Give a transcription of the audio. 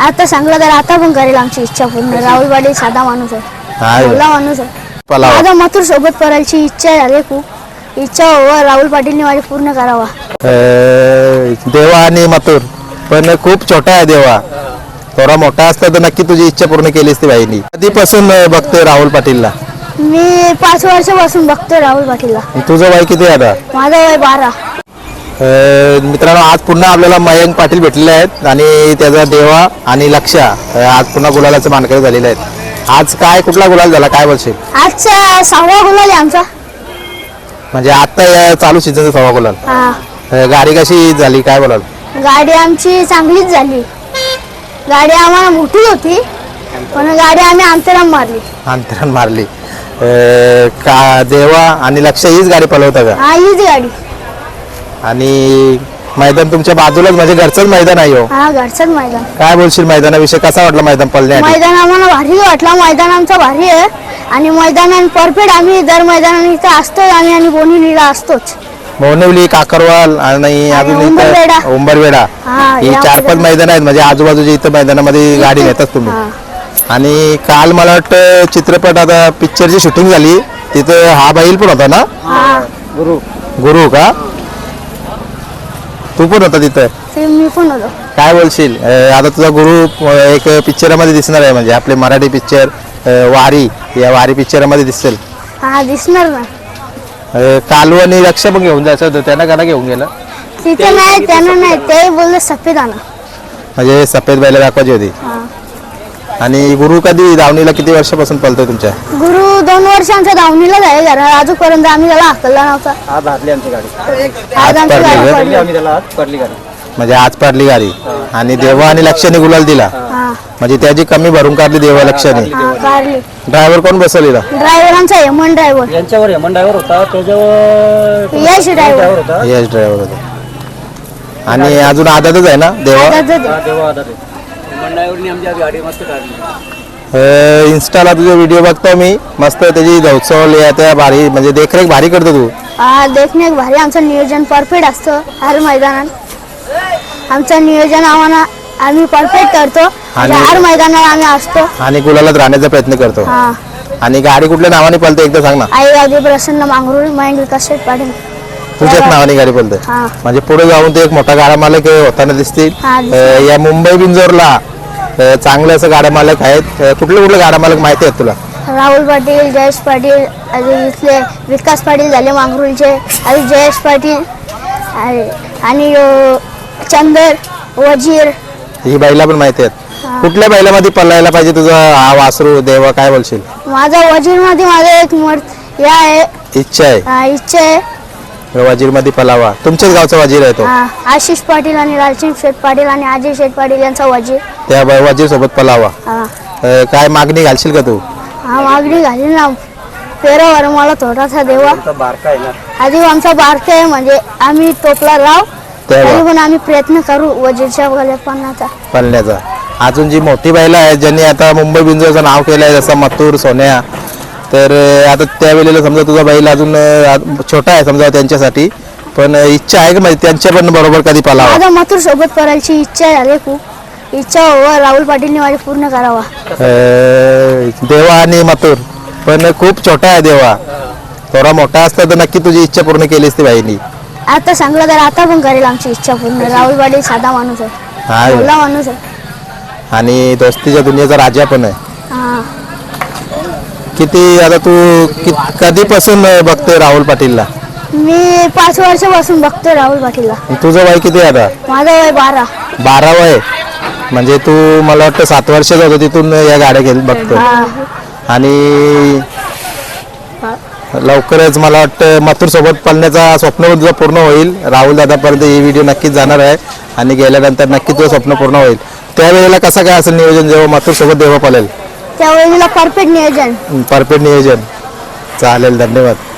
आता सांगलं तर आता पण करेल आमची इच्छा पूर्ण. राहुल पाटील साधा माणूस आहे, भोला माणूस आहे. माझा मथुर सोबत करायची इच्छा झाली, खूप इच्छा हो. राहुल पाटीलने माझी पूर्ण करावा. देवा आणि मथुर पण खूप छोटा आहे देवा. थोडा मोठा असता तर नक्की तुझी इच्छा पूर्ण केलीस ती बाईनी. कधीपासून बघतोय राहुल पाटीलला? मी 5 वर्षापासून बघतोय राहुल पाटीलला. तुझं वय किती आहे आता? माझं वय 12. मित्रांनो, आज पुन्हा आपल्याला मयंक पाटील भेटलेले आहेत आणि त्याचा देवा आणि लक्षा आज पुन्हा गुलालाचे मानकरी झालेले आहेत. आज काय कुठला गुलाल झाला काय बोलशील? आजचा 6वा गुलाल आहे आमचा. म्हणजे आता या चालू सीझनचा 6वा गुलाल. गाडी कशी झाली काय बोलाल? गाडी आमची चांगलीच झाली. गाडी आम्हाला मोठी होती पण गाडी आम्ही अंतराम मारली. का देवा आणि लक्ष हीच गाडी पळवता का? हा, हीच गाडी. आणि मैदान तुमच्या बाजूलाच म्हणजे घरचंच मैदान आहे हो? हा, घरचंच मैदान. काय बोलशील मैदानाविषयी? कसा वाटला मैदान पळण्यासाठी? मैदान आम्हाला भारी वाटला. मैदान आमचं भारी आहे आणि मैदान परफेक्ट. आम्ही दर मैदानात इथं असतो आणि बोनिवलीला असतोच. बोनिवली, काकरवाल आणि अजून उंबरवेडा ही 4-5 मैदान आहेत. म्हणजे आजूबाजूच्या इथं मैदानामध्ये गाडी नेतात तुम्ही. आणि काल मला वाटतं चित्रपट आता पिक्चरची शूटिंग झाली तिथं हा बैल पण होता ना? गुरु का? तू पण होता तिथं? मी पण होतो. काय बोलशील? आता तुझा गुरु एक पिक्चरामध्ये दिसणार आहे, म्हणजे आपले मराठी पिक्चर वारी, या वारी पिक्चरामध्ये दिसेल. हा, दिसणार ना. कालू आणि लक्ष पण घेऊन जायचं होतं, त्यांना का घेऊन गेलं? तिथे नाही, त्यांना नाही, ते बोलले सफेद आणा. म्हणजे सफेद बैल दाखवायची होती. आणि गुरु कधी धावणीला किती वर्षापासून पळतोय तुमच्या? गुरु 2 वर्ष आमच्या धावणीलाच आहे. घरा अजूनपर्यंत आम्ही त्याला हाकलला नव्हता. आज हारली आमची गाडी. आज आमची गाडी पडली. आम्ही त्याला आज पडली गाडी. म्हणजे आज पडली गाडी. आणि देवा आणि लक्षाने गुलाल दिला, म्हणजे त्याची कमी भरून काढली देवा लक्षाने. काढली. ड्रायव्हर कोण बसवलेला? ड्रायव्हर आमचा हेमंत ड्रायव्हर. यांच्यावर हेमंत ड्रायव्हर होता, त्याच्यावर यश ड्रायव्हर होता. यश ड्रायव्हर होता. आणि अजून आदतच आहे ना देवा? तेव्हा आता ते हेमंत ड्रायव्हरनी आमची गाडी मस्त काढली. इन्स्टाला तुझे व्हिडिओ बघतो मी, मस्त त्याची धवचवल त्या भारी, म्हणजे देखरेख भारी करतो तू. देखणे भारी. आमचं नियोजन परफेक्ट असतं हर मैदानात. आमचं नियोजन आम्ही परफेक्ट करतो. हर मैदानात आम्ही असतो आणि गुलालात राहण्याचा प्रयत्न करतो. आणि गाडी कुठल्या नावाने पळते एकदा सांग ना? आई गावदी प्रसन्न मांगरूळ मयंक विकास शेठ पाटील. तुझ्याच नावाने गाडी पळते. म्हणजे पुढे जाऊन ते एक मोठा गाडा मालक होताना दिसतील. या मुंबई बिंजोरला चांगले असं गाडा मालक आहेत. कुठले गाडा मालक माहिती आहेत तुला? राहुल पाटील, जयेश पाटील, अजून इथले विकास पाटील झाले मांगरूळचे, अजून जयेश पाटील आणि चंदर, वजीर, ही बैला पण माहिती आहेत. कुठल्या बैलामध्ये पळायला पाहिजे तुझा हा वासरू देवा, काय बोलशील? माझा वजीर मध्ये माझा एक इच्छा आहे. वजीर मध्ये पलावा. तुमच्याच गावचा वजीर आहे तो? आशिष पाटील आणि लालसिंग शेठ पाटील आणि अजय शेठ पाटील यांचा वजीर. त्या वजीर सोबत पलावा. काय मागणी घालशील का तू? मागणी घालील ना. पेरावर मला थोडासा देवा. आधी आमचा बारका आहे, म्हणजे आम्ही टोपला राव तरी पण आम्ही प्रयत्न करू वजीरच्या पळण्याचा. अजून जी मोठी बैल आहे ज्यांनी आता मुंबई बिंजोरचं नाव केलं आहे, जसं मथुर, सोन्या, तर आता त्यावेळेला समजा तुझा बैल अजून छोटा आहे समजा त्यांच्यासाठी, पण इच्छा आहे का म्हणजे त्यांच्या पण बरोबर कधी पळावा? माझा मथुर सोबत करायची इच्छा झाली, खूप इच्छा हो. राहुल पाटीलने माझी पूर्ण करावा. देवा आणि मथुर पण खूप छोटा आहे देवा. थोडा मोठा असता तर नक्की तुझी इच्छा पूर्ण केलीस ती बाईनी. आता सांगलं तर आता पण करेल आमची इच्छा पूर्ण. राहुल पाटील साधा माणूस आहे, भोला माणूस आहे. आणि दोस्तीच्या दुनियेचा राजा पण आहे. किती आता तू कधीपासून बघतोय राहुल पाटीलला? मी 5 वर्षापासून बघतोय राहुल पाटीलला. तुझं वय किती आहे आता? माझं वय 12. 12 वय. म्हणजे तू मला वाटतं 7 वर्षाचा होता तिथून या गाड्या घेऊन बघतोय. आणि लवकरच मला वाटतं मथुर सोबत पळण्याचा स्वप्न तुझं पूर्ण होईल. राहुल दादापर्यंत ही व्हिडिओ नक्कीच जाणार आहे आणि गेल्यानंतर नक्की तुझं स्वप्न पूर्ण होईल. त्यावेळेला कसं काय असेल नियोजन जेव्हा मथुर सोबत देवा पळेल? त्यावेळेला परफेक्ट नियोजन. चालेल, धन्यवाद.